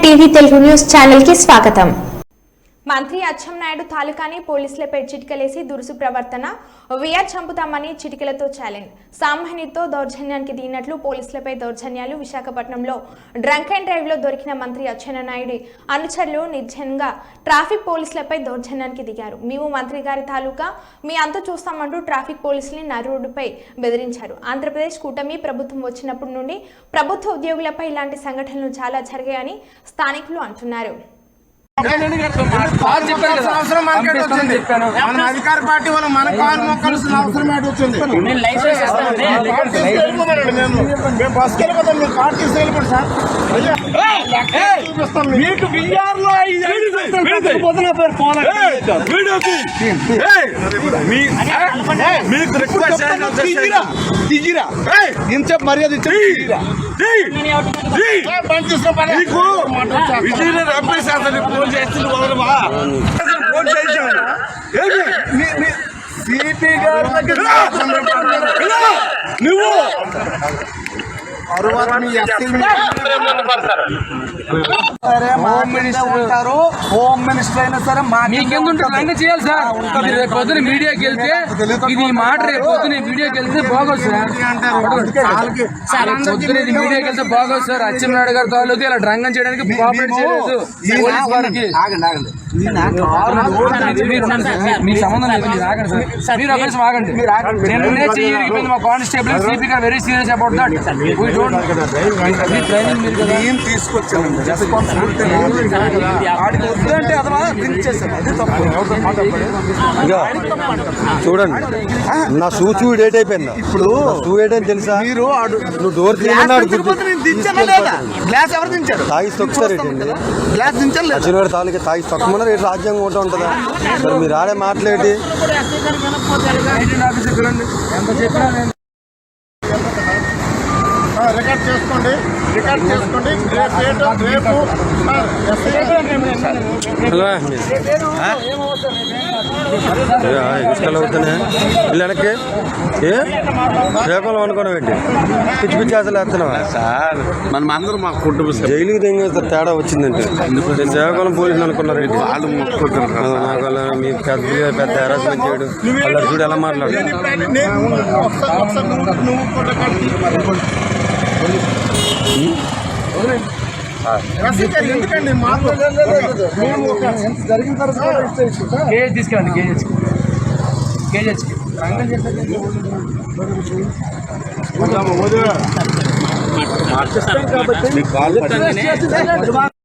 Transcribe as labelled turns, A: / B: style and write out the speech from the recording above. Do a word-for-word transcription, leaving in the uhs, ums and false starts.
A: TV Telugu news channel కి స్వాగతం.
B: మంత్రి అచ్చెన్నాయుడు తాలూకాని పోలీసులపై చిటికలేసి దురుసు ప్రవర్తన వీఆర్ చంపుతామని చిటికలతో ఛాలెంజ్. సామాన్యుతో దౌర్జన్యానికి దిగినట్లు పోలీసులపై దౌర్జన్యాలు. విశాఖపట్నంలో డ్రంక్ అండ్ డ్రైవ్ లో దొరికిన మంత్రి అచ్చెన్నాయుడు అనుచరులు నిర్జనంగా ట్రాఫిక్ పోలీసులపై దౌర్జన్యానికి దిగారు. మేము మంత్రి గారి తాలూకా మీ అంతా చూస్తామంటూ ట్రాఫిక్ పోలీసుల్ని నరుడుపై బెదిరించారు. ఆంధ్రప్రదేశ్ కూటమి ప్రభుత్వం వచ్చినప్పటి నుండి ప్రభుత్వ ఉద్యోగులపై ఇలాంటి సంఘటనలు చాలా జరిగాయని స్థానికులు అంటున్నారు.
C: అధికార పార్టీ వాళ్ళు మన కాలు మొక్కాల్సిన అవసరం వచ్చింది. మేము బస్కి వెళ్ళిపోతాం, మీరు కార్ తీసి వెళ్ళిపోండి సార్. మీకు బియ్యార్లో దిగిరా ఇంత మర్యాద ఇచ్చారు. ఫోన్ చేస్తుంది వదలమా సిపి గారు నువ్వు హోమ్ మినిస్టర్ ఉంటారు, హోమ్ మినిస్టర్ అయినా సరే
D: మీకెందుకు చేయాలి సార్. రేపు పొద్దున మీడియాకి వెళ్తే ఇది మాట రేపు పొద్దున మీడియాకి వెళ్తే బాగోదు సార్. పొద్దున ఇది మీడియాకి వెళ్తే బాగోదు సార్. అచ్చెన్నాయుడు గారి తాలూకు ఇలా డ్రంగం చేయడానికి కోఆపరేట్ చేయలేదు పోలీస్ వారికి. మీకు సంబంధం లేదు, మీరు ఆగండి సార్. మీరు ఒక నిమిషం ఆగండి. నిన్నే చెయ్యి మా కానిస్టేబుల్ సిపి గారు very serious about that.
C: Training తీసుకొచ్చానండి. వద్దంటే అదవా లింక్ చేశాను, అదే తప్పు.
E: చూడండి, నా షూ షూ డేట్ అయిపోయిందా? ఇప్పుడు షూ డేట్ అని తెలుసా? మీరు నువ్వు డోర్
C: గ్లాస్ ఎవరు దించారు?
E: తాగి తొక్కుతారు.
C: గ్లాస్ దించారు.
E: అచ్చెన్నాయుడు తాలూకా తాగి తొక్కమన్నారు. రేటు రాజ్యాంగం ఉంటా ఉంటుందా? మరి మీరు ఆడే మాట్లాడి
C: రికార్డ్ చేసుకోండి, రికార్డ్ చేసుకోండి. రేపు
E: ఇసుకలు అవుతున్నాయి. ఇల్లు వెనక్కి ఏ శ్రీకాకుళం అనుకోవడం ఏంటి? పిచ్చి పిచ్చి అసలు వేస్తున్నావా సార్? మనం అందరూ మా కుటుంబ జైలుకి తెంగేస్తారు. తేడా వచ్చిందంటే నేను శ్రీకాకుళం పోలీసులు అనుకున్నారు ఏంటి? వాళ్ళు మొక్కుకుంటున్నారు. మీ పెద్ద పెద్ద హెరాస్మెంట్ చేయడు. వాళ్ళ చూడు ఎలా మాట్లాడు.
C: ఎందుకండి మాకు జరిగిన తర్వాత
D: కేజీ తీసుకెళ్ళండి. KG KG